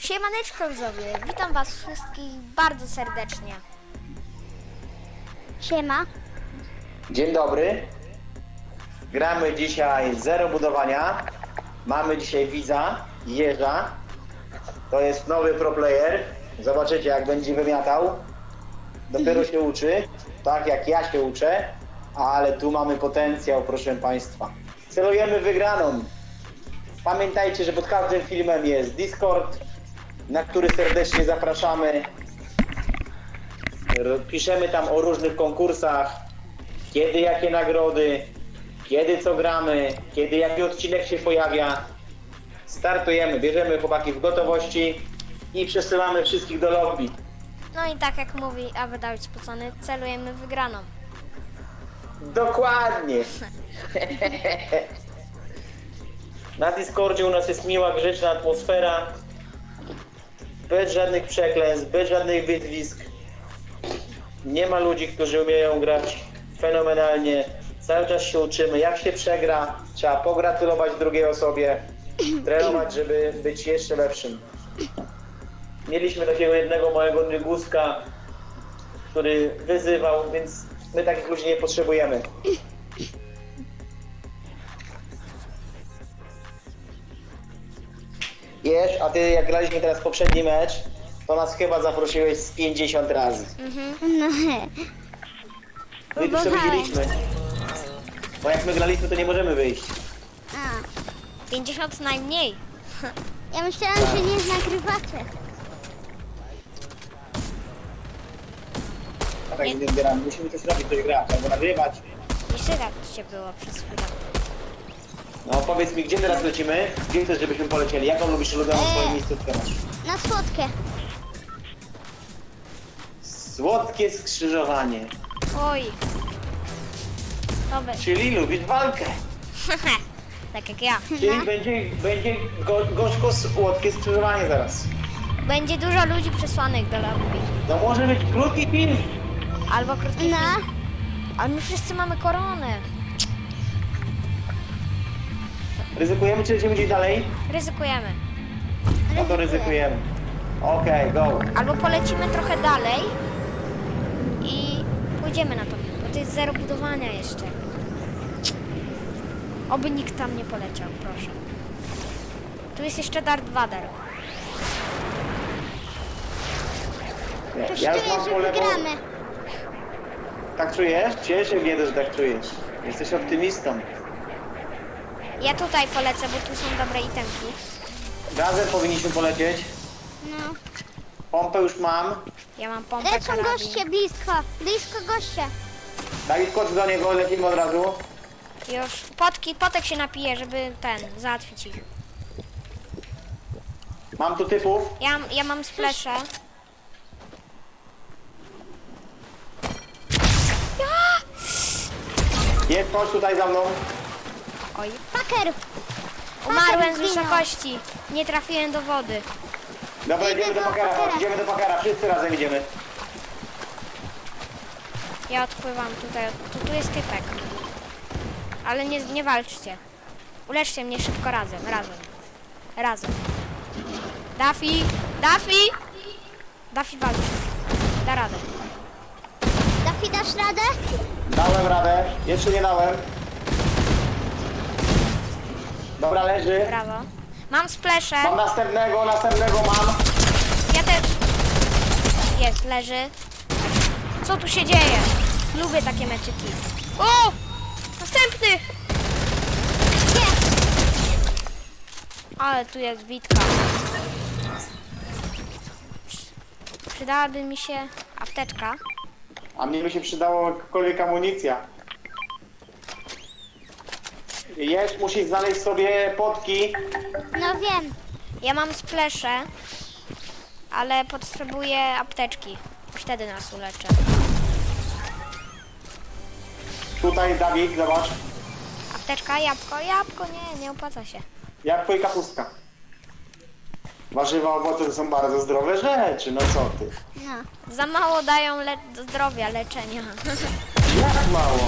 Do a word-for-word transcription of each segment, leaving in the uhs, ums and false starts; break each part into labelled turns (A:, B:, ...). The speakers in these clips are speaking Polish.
A: Siemaneczko widzowie, witam was wszystkich bardzo serdecznie.
B: Siema.
C: Dzień dobry. Gramy dzisiaj zero budowania. Mamy dzisiaj widza, Jerza. To jest nowy pro player. Zobaczycie, jak będzie wymiatał. Dopiero się uczy, tak jak ja się uczę, ale tu mamy potencjał, proszę państwa. Celujemy wygraną. Pamiętajcie, że pod każdym filmem jest Discord, na który serdecznie zapraszamy. Piszemy tam o różnych konkursach, kiedy jakie nagrody, kiedy co gramy, kiedy jaki odcinek się pojawia. Startujemy, bierzemy chłopaki w gotowości i przesyłamy wszystkich do lobby.
A: No i tak jak mówi Awy Dawid Spocony, celujemy wygraną.
C: Dokładnie. Na Discordzie u nas jest miła, grzeczna atmosfera. Bez żadnych przekleństw, bez żadnych wyzwisk. Nie ma ludzi, którzy umieją grać fenomenalnie. Cały czas się uczymy. Jak się przegra, trzeba pogratulować drugiej osobie. Trenować, żeby być jeszcze lepszym. Mieliśmy takiego jednego małego nyguska, który wyzywał, więc my takich ludzi nie potrzebujemy. Wiesz, a ty jak graliśmy teraz poprzedni mecz, to nas chyba zaprosiłeś z pięćdziesiąt razy.
B: No
C: My tu sobie
B: Próbowałem.
C: widzieliśmy. Bo jak my graliśmy, to nie możemy wyjść.
B: A,
A: pięćdziesiąt najmniej.
B: ja myślałam, że nie nagrywacie.
C: A tak nie zbieramy. Musimy coś robić, coś grać, albo nagrywać.
A: Nie słychać cię było przez chwilę.
C: No powiedz mi, gdzie teraz lecimy? Gdzie chcesz, żebyśmy polecieli? Jaką lubisz ulubioną
B: Eee.
C: swoją miejscówkę masz?
B: Na słodkie.
C: Słodkie skrzyżowanie.
A: Oj. Dobra.
C: Czyli lubisz walkę.
A: Tak jak ja.
C: Czyli będzie, będzie go, gorzko słodkie skrzyżowanie zaraz.
A: Będzie dużo ludzi przesłanych do lobby.
C: To może być krótki film.
A: Albo krótki
B: No.
A: film. Ale my wszyscy mamy koronę.
C: Ryzykujemy, czy lecimy gdzieś dalej?
A: Ryzykujemy.
C: No to ryzykujemy. Okej, go.
A: Albo polecimy trochę dalej i pójdziemy na to, bo to jest zero budowania jeszcze. Oby nikt tam nie poleciał, proszę. Tu jest jeszcze Darth Vader.
C: Ja,
B: Coś
C: ja już
B: czuję,
C: mam
B: że
C: po lewo.
B: wygramy.
C: Tak czujesz? Cieszę się, że tak czujesz. Jesteś optymistą.
A: Ja tutaj polecę, bo tu są dobre itemki.
C: Razem powinniśmy polecieć.
B: No.
C: Pompę już mam.
A: Ja mam pompę,
B: Lecą
A: karabin.
B: goście blisko. Blisko goście.
C: Dawid, kocz do niego, lecimy od razu.
A: Już potki, potek się napije, żeby ten, załatwić ich.
C: Mam tu typów.
A: Ja, ja mam splesze.
C: Jest, chodź tutaj za mną.
A: Oj.
B: Paker.
A: Umarłem z
B: zginął.
A: wysokości. Nie trafiłem do wody.
C: Dobra,
B: Idę
C: idziemy do
B: do
C: pakara,
B: Pakera.
C: chodź, idziemy do pakara. Wszyscy razem idziemy.
A: Ja odpływam tutaj. Tu, tu jest typek. Ale nie, nie walczcie. Uleczcie mnie szybko razem, razem. Razem. Daffy! Daffy! Daffy walczy. Da radę.
B: Dafi, dasz radę?
C: Dałem radę. Jeszcze nie dałem. Dobra, leży.
A: Brawo. Mam splesze.
C: Mam następnego, następnego mam.
A: Ja też. Jest, leży. Co tu się dzieje? Lubię takie meczyki. O! Następny!
B: Jest.
A: Ale tu jest bitka. Przydałaby mi się apteczka.
C: A mnie by się przydało jakakolwiek amunicja. Jest, musisz znaleźć sobie potki.
B: No wiem.
A: Ja mam splesze, ale potrzebuję apteczki. Wtedy nas uleczę.
C: Tutaj, Dawid, zobacz.
A: Apteczka, jabłko, jabłko, nie, nie opłaca się.
C: Jabłko i kapustka. Warzywa, owoce to są bardzo zdrowe rzeczy, no co ty?
B: No.
A: Za mało dają le zdrowia, leczenia.
C: Jak mało?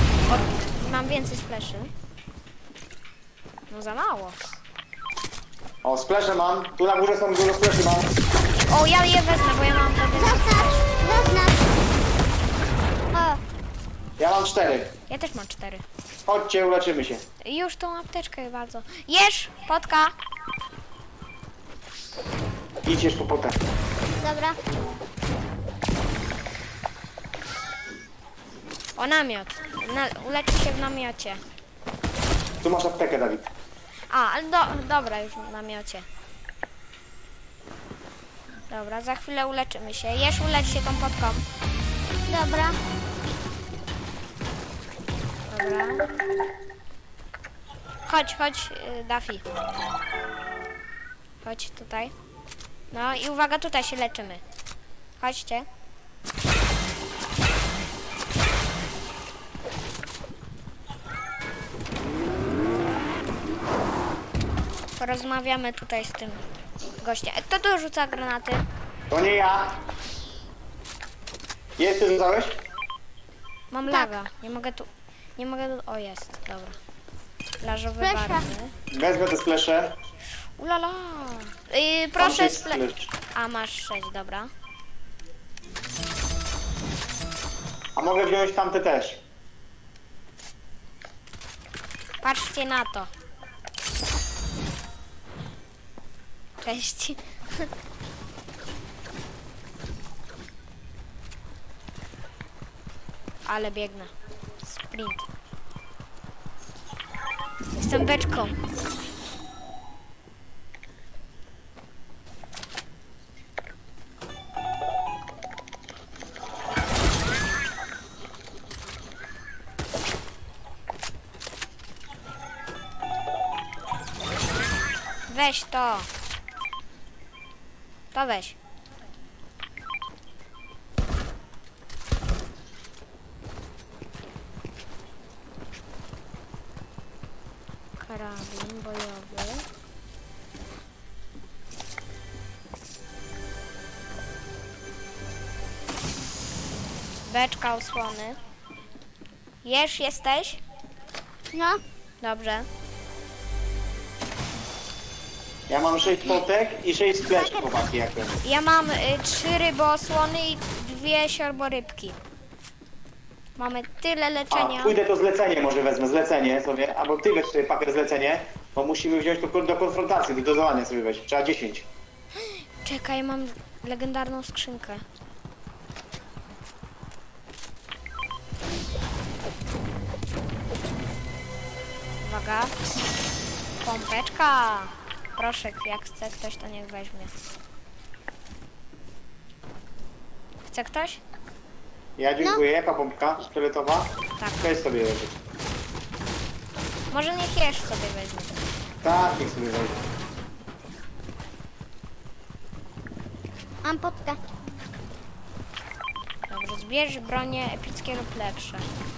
A: Mam więcej spleszy. No za mało.
C: O, splesze mam. Tu na górze są dużo spleszy mam.
A: O, ja je wezmę, bo ja mam prawie...
B: Zaznacz, zaznacz. O,
C: Ja mam cztery.
A: Ja też mam cztery.
C: Chodźcie, uleczymy się.
A: Już tą apteczkę bardzo. Jesz, potka.
C: Idź po potę.
B: dobra.
A: O, namiot. Na, uleczy się w namiocie.
C: Tu masz aptekę, Dawid.
A: A, ale do, dobra, już w namiocie. Dobra, za chwilę uleczymy się. Jesz, ulecz się tą potką.
B: Dobra.
A: Dobra. Chodź, chodź, y, Daffy. Chodź tutaj. No i uwaga, tutaj się leczymy. Chodźcie. Porozmawiamy tutaj z tym gościem. E, Kto tu rzuca granaty?
C: To nie ja. Jest, ty rzucałeś?
A: Mam
B: Tak.
A: laga. Nie mogę tu... Nie mogę tu... O, jest. Dobra. Plażowy
B: Flesza.
A: barwy.
C: Wezmę te splesze.
A: Ulala. Yy,
C: Mam
A: proszę
C: sześć
A: sple...
C: splesz.
A: A, masz sześć, dobra.
C: A mogę wziąć tamte też.
A: Patrzcie na to. Cześć. Ale biegnę. Sprint. Jestem beczką. Weź to. To weź. Karabin bojowy. Beczka osłony. Jesz, jesteś?
B: No,
A: Dobrze.
C: Ja mam sześć potek i sześć spleszy, chłopaki, jak to.
A: Ja mam y, trzy ryboosłony i dwie siorborybki. Mamy tyle
C: A,
A: leczenia.
C: pójdę to zlecenie, może wezmę, zlecenie sobie, albo ty weź sobie pakiet zlecenie, bo musimy wziąć to do konfrontacji, do dozowania sobie weź, trzeba dziesięć.
A: Czekaj, mam legendarną skrzynkę. Uwaga. Pompeczka. Proszę, jak chce ktoś, to niech weźmie. Chce ktoś?
C: Ja dziękuję, jaka pompka szkieletowa?
A: Tak.
C: Weź sobie leży.
A: Może niech Jesz sobie weźmie.
C: Tak, niech sobie weźmie.
B: mam potkę.
A: Dobrze, zbierz bronie epickie lub lepsze.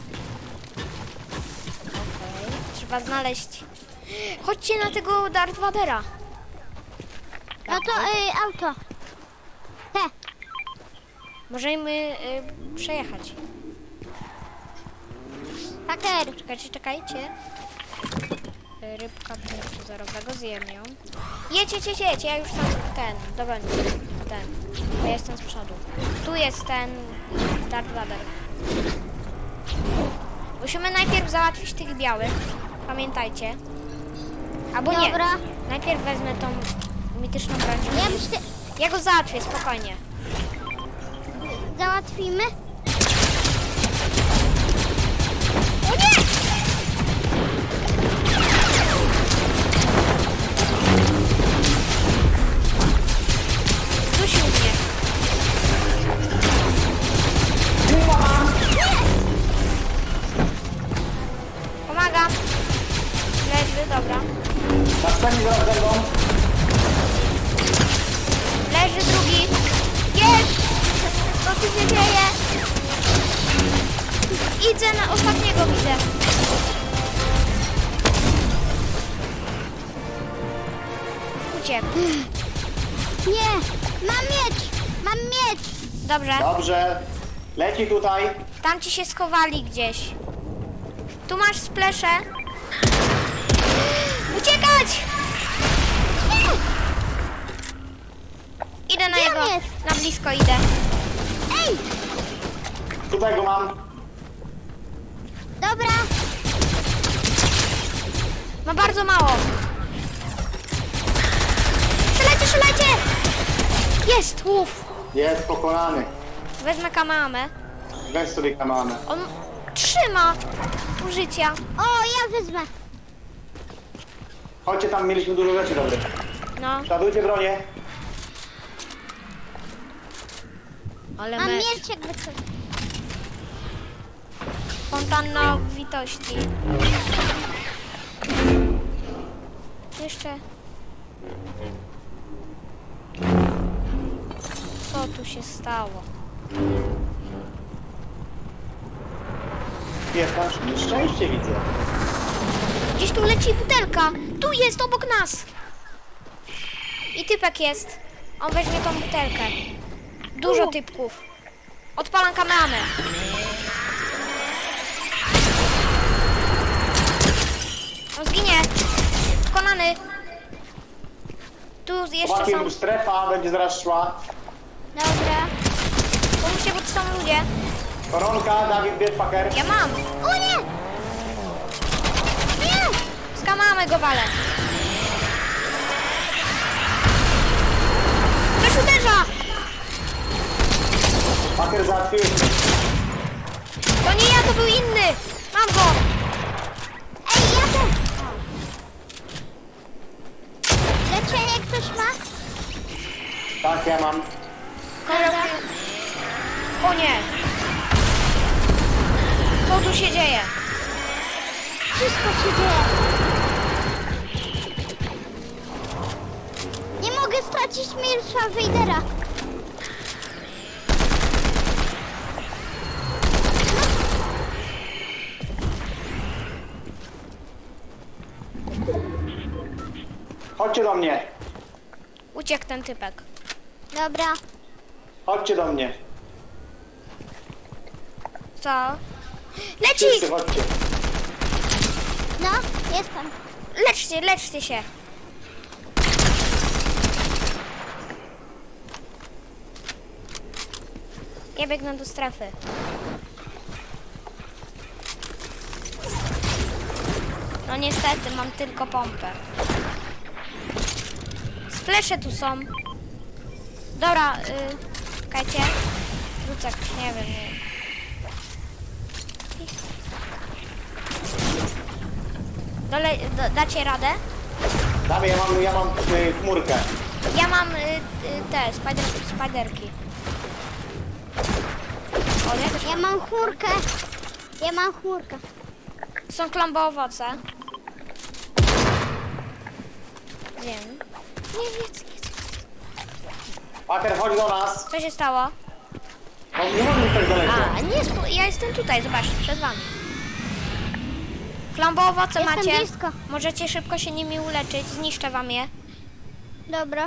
A: Okej. Trzeba znaleźć... Chodźcie na tego Darth Vadera.
B: No to y, auto. Te.
A: Możemy y, przejechać.
B: Haker.
A: Czekajcie, czekajcie. Y, Rybka punktu zerowego, zjem ją. Jedź, jedź, jedź, jedź, ja już tam ten, dobra, nie, ten. Bo ja jestem z przodu. Tu jest ten Darth Vader. Musimy najpierw załatwić tych białych. Pamiętajcie. Albo nie.
B: Dobra.
A: Najpierw wezmę tą mityczną broń.
B: Ja myślę,
A: Ja go załatwię, spokojnie.
B: załatwimy.
A: O nie! Dusił mnie. Pomagam. Leży, dobra.
C: Następny zaraz będą.
A: Leży drugi. Jest! Co tu się dzieje? Idę na ostatniego, widzę. Uciekł.
B: Nie, mam miecz. Mam miecz.
A: Dobrze.
C: Dobrze. Leci tutaj.
A: Tam ci się schowali gdzieś. Tu masz splesze. Uciekać!
B: Nie.
A: blisko idę.
B: Ej!
C: Tutaj go mam.
B: Dobra.
A: Ma bardzo mało. Strzelajcie, strzelajcie! Jest, łów.
C: Jest pokonany.
A: Wezmę kameramę.
C: Weź sobie kamerę.
A: On trzyma użycia.
B: O, ja wezmę.
C: Chodźcie, tam mieliśmy dużo rzeczy dobrych.
A: No,
C: Ładujcie bronię.
A: ale
B: Mam
A: mecz.
B: miecz jakby co.
A: Fontanna obfitości. Jeszcze. Co tu się stało?
C: Jest tam szczęście widzę.
A: Gdzieś tu leci butelka. Tu jest, obok nas. I typek jest. On weźmie tą butelkę. Dużo typków. Odpalam kamerę. On zginie. Pokonany. Tu jeszcze
C: Chłopaki,
A: są.
C: strefa będzie zaraz szła.
B: Dobra.
A: Pomóżcie, bo tu są ludzie.
C: Koronka, Dawid Bierpaker.
A: Ja mam.
B: O nie! Nie!
A: Z kamerą go walę. Ktoś uderza.
C: Paker załatwił.
A: To nie ja, to był inny. Mam go.
B: Ej, ja też! Leczenie ktoś ma?
C: Tak, ja mam.
B: Dobra.
A: O nie. Co tu się dzieje?
B: Wszystko się dzieje. Nie mogę stracić miecza Wejdera.
C: Chodźcie do mnie.
A: Uciekł ten typek.
B: Dobra.
C: Chodźcie do mnie.
A: Co? Leci!
C: Wszyscy chodźcie.
B: No, jestem.
A: Leczcie, leczcie się. Ja biegnę do strefy. No niestety, mam tylko pompę. Splesze tu są. Dobra, y, czekajcie. Rzucę, nie wiem, nie wiem. Dole, do, dacie radę?
C: Dawaj, ja mam, ja mam y, chmurkę.
A: Ja mam y, y, te spider, spiderki. O, nie, też
B: Ja mam chmurkę. Ja mam chmurkę.
A: są klombo owoce. Wiem. Nie, jedz, jedz.
C: Paker, chodź do nas.
A: Co się stało?
C: No, nie możemy tak daleko.
A: A, nie, spu- ja jestem tutaj, zobaczcie, przed wami. Klombo owoce
B: Jestem
A: macie.
B: blisko.
A: Możecie szybko się nimi uleczyć, zniszczę wam je.
B: Dobra.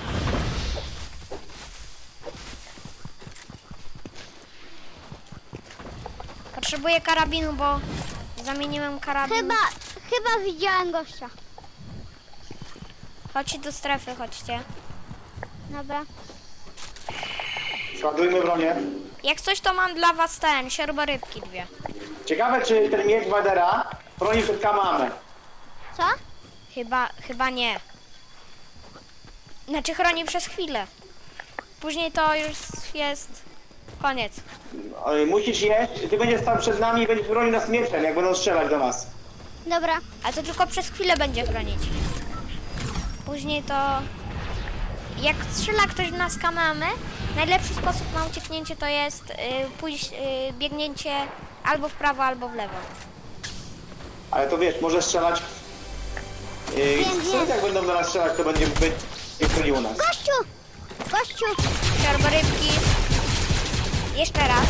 A: Potrzebuję karabinu, bo zamieniłem karabin.
B: Chyba, chyba widziałem gościa.
A: Chodźcie do strefy, chodźcie.
B: Dobra.
C: Składujmy bronię.
A: Jak coś, to mam dla was ten, siorborybki dwie.
C: Ciekawe, czy ten miecz Wadera chroni przed kamamy.
B: Co?
A: Chyba, chyba nie. Znaczy chroni przez chwilę. Później to już jest koniec.
C: Y, Musisz jeść, ty będziesz stał przed nami i będziesz chronił nas mieczem, jak będą strzelać do nas.
B: Dobra.
A: A to tylko przez chwilę będzie chronić. Później to... Jak strzela ktoś w nas kamamy, najlepszy sposób na ucieknięcie to jest y, pójść, y, biegnięcie albo w prawo, albo w lewo.
C: Ale to wiesz, może strzelać... Yy,
B: Wiem,
C: co
B: wiem.
C: jak będą do nas strzelać, to będzie będzie chroniło nas.
B: Gościu! Gościu!
A: Siorborybki. Jeszcze raz.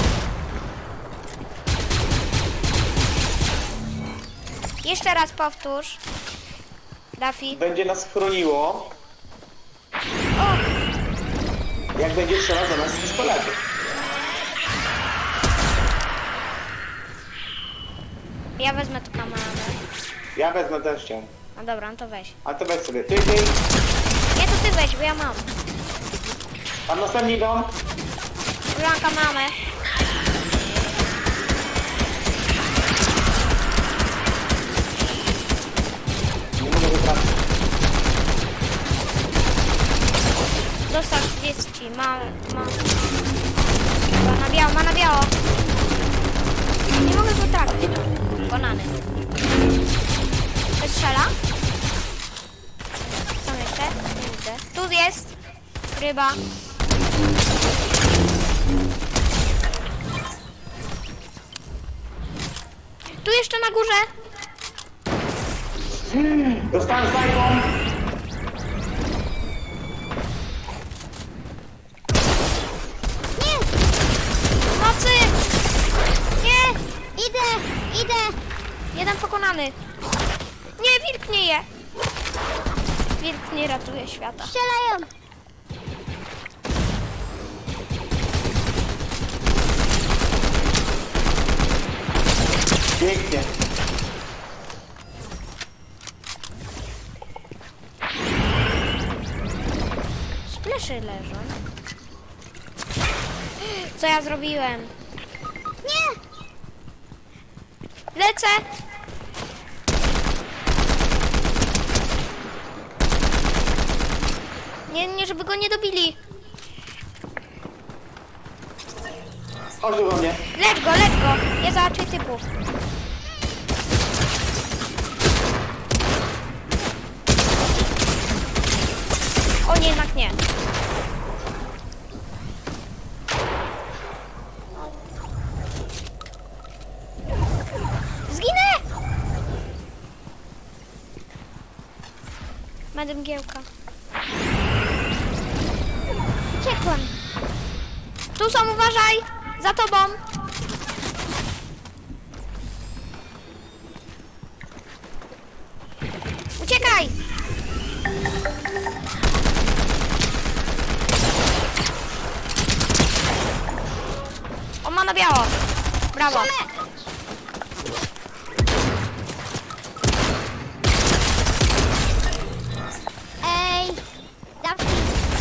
A: Jeszcze raz powtórz. Dafi.
C: Będzie nas chroniło,
A: O!
C: jak będzie strzelać do nas z pistoletu.
A: Ja wezmę tu kamerę.
C: Ja wezmę też cię.
A: No dobra, no to weź.
C: A to weź sobie. Ty, ty.
A: Nie, to ty weź, bo ja mam.
C: Tam następni idą.
A: Blanka mamy.
C: Nie mogę wytrafić.
A: Dostał trzydzieści. Ma, ma. Ma na biało, ma na biało. Nie mogę go trafić. Banany. Ktoś strzela? Są jeszcze? Nie widzę. Tu jest. Ryba. Tu jeszcze na górze.
C: Dostałem snajpą.
B: Nie!
A: Nocy! Nie!
B: Idę! Idę!
A: Jeden pokonany. Nie, wilk nie je. Wilk nie ratuje świata.
B: Strzelają!
C: Pięknie.
A: Spleszy leżą. Co ja zrobiłem?
B: Nie!
A: Lecę! Nie, nie, żeby go nie dobili.
C: Chodź tu do mnie.
A: Lecz go, lecz go. Nie załatwię typów. O nie, jednak nie. Zginę! Będę mgiełka.
B: Uciekłam!
A: Tu są, uważaj! Za tobą! Uciekaj! On ma na biało. Brawo.
B: Ej! Dawki!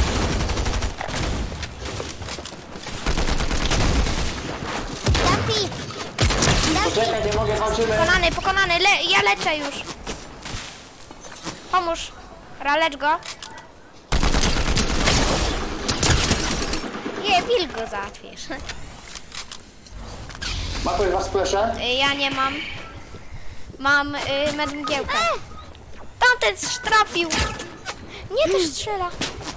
B: Dawki! Dawki!
C: Poczekaj, nie mogę, walczymy.
A: Pokonany, pokonany. Le ja leczę już. Pomóż. Ra, lecz go. Nie, wilk go załatwisz.
C: Ma ktoś was splesze?
A: Y, Ja nie mam. Mam y, medmgiełkę. Tamten trafił. Nie, też strzela.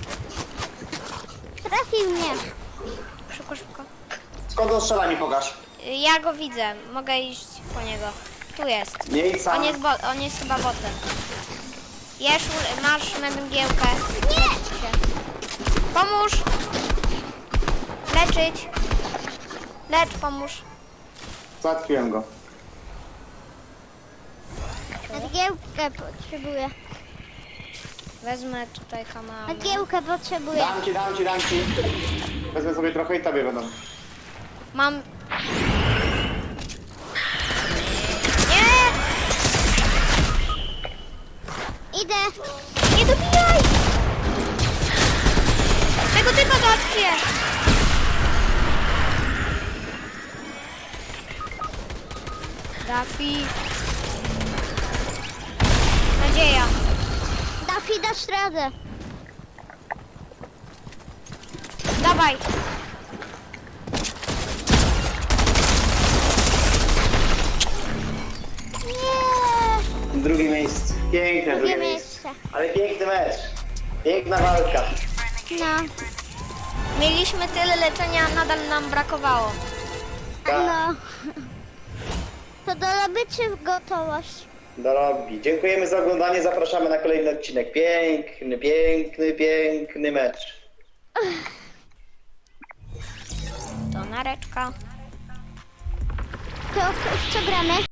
B: Trafił mnie!
A: Szybko, szybko.
C: Skąd on strzela, mi pokaż.
A: Y, Ja go widzę. Mogę iść po niego. Tu jest.
C: Nie idź sam.
A: On jest, bo on jest chyba botem. Jesz, masz medmgiełkę.
B: Nie!
A: Się. Pomóż. Leczyć. Lecz, pomóż.
C: Załatwiłem go.
B: Nadgiełkę potrzebuję.
A: Wezmę tutaj kanał.
B: Nadgiełkę potrzebuję.
C: Dam ci, dam ci, dam ci. Wezmę sobie trochę i tobie będą.
A: Mam... Nie!
B: Idę!
A: Nie dobijaj! Tego typa załatwię! Dafi. Nadzieja.
B: Dafi, dasz radę!
A: Dawaj.
B: Nie!
C: Drugie miejsce. Piękne drugie
B: Drugie
C: miejsce.
B: miejsce.
C: Ale piękny mecz. Piękna walka.
B: No.
A: Mieliśmy tyle leczenia, nadal nam brakowało.
C: Tak.
B: No. To do lobby czy gotowość?
C: Do lobby. Dziękujemy za oglądanie. Zapraszamy na kolejny odcinek. Piękny, piękny, piękny mecz.
A: To nareczka.
B: To w co gramy?